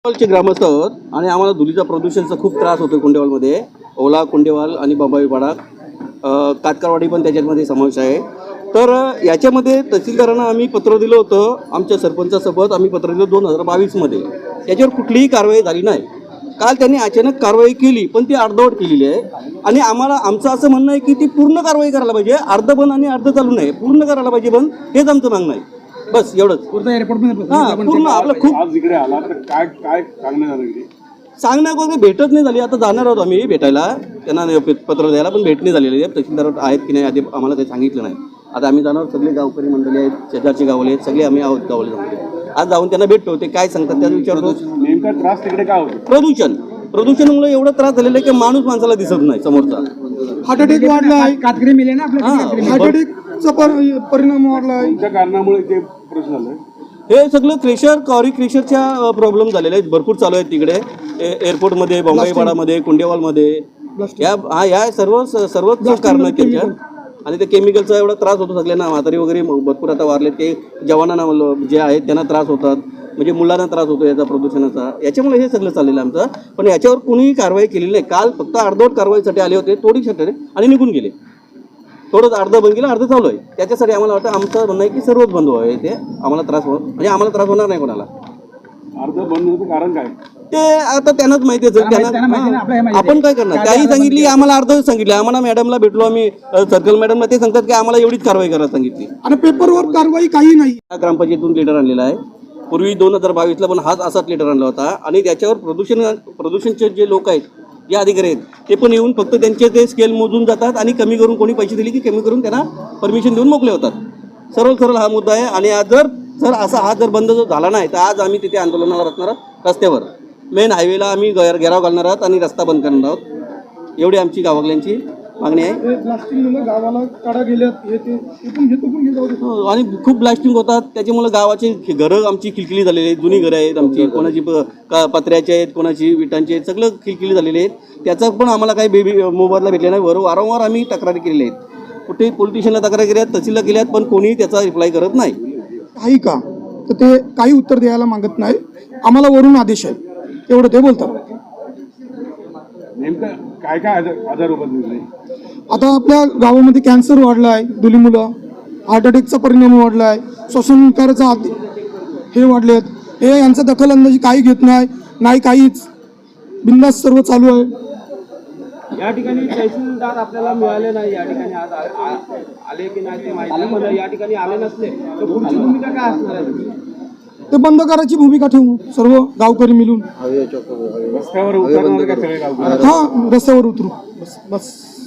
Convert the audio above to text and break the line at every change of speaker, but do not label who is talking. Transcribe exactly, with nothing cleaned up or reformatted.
चे ग्रामस्थ आहोत आणि आम्हाला धुलीचा प्रदूषणचा खूप त्रास होतो कुंडेवालमध्ये. ओला, कुंडेवाल आणि बाबाईपाडा, कातकारवाडी पण त्याच्यामध्ये समावेश आहे. तर याच्यामध्ये तहसीलदारांना आम्ही पत्र दिलं होतं, आमच्या सरपंचासोबत आम्ही पत्र दिलं दोन हजार बावीसमध्ये. त्याच्यावर कुठलीही कारवाई झाली नाही. काल त्यांनी अचानक कारवाई केली, पण ती अर्धवट केलेली आहे. आणि आम्हाला आमचं असं म्हणणं आहे की ती पूर्ण कारवाई करायला पाहिजे, अर्ध बंद आणि अर्ध चालू नाही, पूर्ण करायला पाहिजे बंद, हेच आमचं मागणं आहे. बस एवढंच. हां, पूर्ण आपलं खूप
आज इकडे आला तर काय काय सांगण्यात आलं इकडे?
सांगण्या वगैरे भेटच नाही झाली. आता जाणार आहोत आम्ही भेटायला, त्यांना पत्र द्यायला, पण भेट नाही झालेली आहे. तहसीलदार आहेत की नाही आधी आम्हाला काही सांगितलं नाही. आता आम्ही जाणार, सगळे गावकरी मंडळी आहेत, शेजारचे गावले आहेत, सगळे आम्ही आहोत गावले जाऊन. आज जाऊन त्यांना भेटतो, ते काय सांगतात त्याचा विचारतो.
नेमका त्रास तिकडे काय होतो?
प्रदूषण प्रदूषणामुळे एवढा त्रास झालेला आहे की माणूस माणसाला दिसत नाही समोरचा.
हार्ट अटॅक वाढला आहे,
कातकरी मिले ना आपल्या
हार्ट अटॅकचा परिणाम वाढला आहे.
कोणत्या कारणामुळे ते प्रश्न झालं?
हे सगळं क्रेशर कॉरी क्रेशरच्या प्रॉब्लेम झालेले आहेत, भरपूर चालू आहेत तिकडे. एअरपोर्टमध्ये, बॉम्बाईपाडामध्ये, कुंडेवालमध्ये, या हा या सर्व सर्वच कारण आहेत त्यांच्या. आणि ते केमिकलचा एवढा त्रास होतो सगळ्यांना. म्हातारी वगैरे भरपूर आता वारले, ते जवानांना जे आहेत त्यांना त्रास होतात, म्हणजे मुलांना त्रास होतो याचा प्रदूषणाचा. याच्यामुळे हे सगळं चाललेलं आमचं. पण याच्यावर कोणीही कारवाई केलेली नाही. काल फक्त अर्धवट कारवाईसाठी आले होते, थोडीसाठी, आणि निघून गेले. थोडंच अर्ध बंद केलं, अर्ध चालू आहे. त्याच्यासाठी आम्हाला वाटतं, आमचं म्हणणं आहे की सर्वच बंद व्हावे, ते आम्हाला त्रास हो, म्हणजे आम्हाला त्रास होणार नाही कोणाला.
अर्ध बंद होण्याचं कारण काय?
ते आता त्यांनाच माहिती असेल. त्यांना आपण काय करणार? त्याही सांगितली, आम्हाला अर्ध सांगितले. आम्हाला मॅडमला भेटलो आम्ही, सर्कल मॅडमला, ते सांगतात की आम्हाला एवढीच कारवाई करायला सांगितली.
आणि पेपरवर कारवाई काही नाही.
ग्रामपंचायतीतून लेटर आणलेला आहे. पूर्वी दोन हजार बावीसला पण हाच असाच लेटर आणला होता. आणि त्याच्यावर प्रदूषण प्रदूषणचे जे लोक आहेत, जे अधिकारी आहेत, ते पण येऊन फक्त त्यांचे ते स्केल मोजून जातात आणि कमी करून, कोणी पैसे दिले की कमी करून त्यांना परमिशन देऊन मोकळे होतात. सरळ सरळ हा मुद्दा आहे. आणि आज जर जर असा हा जर बंद जर झाला नाही तर आज आम्ही तिथे आंदोलनाला असणार आहोत. रस्त्यावर मेन हायवेला आम्ही घेराव घालणार आहोत आणि रस्ता बंद करणार आहोत. एवढी आमची गावातल्यांची मागणी आहे.
प्लास्टिक मुलं गावाला काढा गेल्यात, हे ते इथून हे तिथून हे जाऊ दे.
हो, आणि खूप ब्लास्टिंग होतात. त्याच्यामुळे गावाची घरं आमची खिलखिली झालेली आहेत. जुनी घरं आहेत आमची, कोणाची प का पत्र्याची आहेत, कोणाची विटांची आहेत, सगळं खिलखिली झालेली आहेत. त्याचा पण आम्हाला काही बेबी मोबाईलला भेटले नाही. वर वारंवार आम्ही तक्रारी केलेल्या आहेत. कुठेही पोलीस स्टेशनला तक्रारी केल्या आहेत, तहसीलला केल्या आहेत, पण कोणीही त्याचा रिप्लाय करत नाही.
काही का तर ते काही उत्तर द्यायला मागत नाही. आम्हाला वरून आदेश आहे, एवढं ते बोलतात.
नेमकं काय काय आजार आजार उभा?
आता आपल्या गावामध्ये कॅन्सर वाढला आहे, दुली मुलं, हार्ट अटॅकचा परिणाम वाढला आहे, श्वसनविकाराचा हे वाढलेत. हे यांचा दखल अंदाजी काही घेत नाही, नाही काहीच, बिंदास सर्व चालू आहे.
या ठिकाणी तहसीलदार आपल्याला मिळाले नाही. या ठिकाणी आज आले की नाही ते माहिती नाही, पण या ठिकाणी आले नसले तर पुढची भूमिका काय असणार आहे?
ते बंद करायची भूमिका ठेवू सर्व गावकरी मिळून.
रस्त्यावर उतरणार का सगळे गावकरी?
हा, रस्त्यावर उतरू. बस बस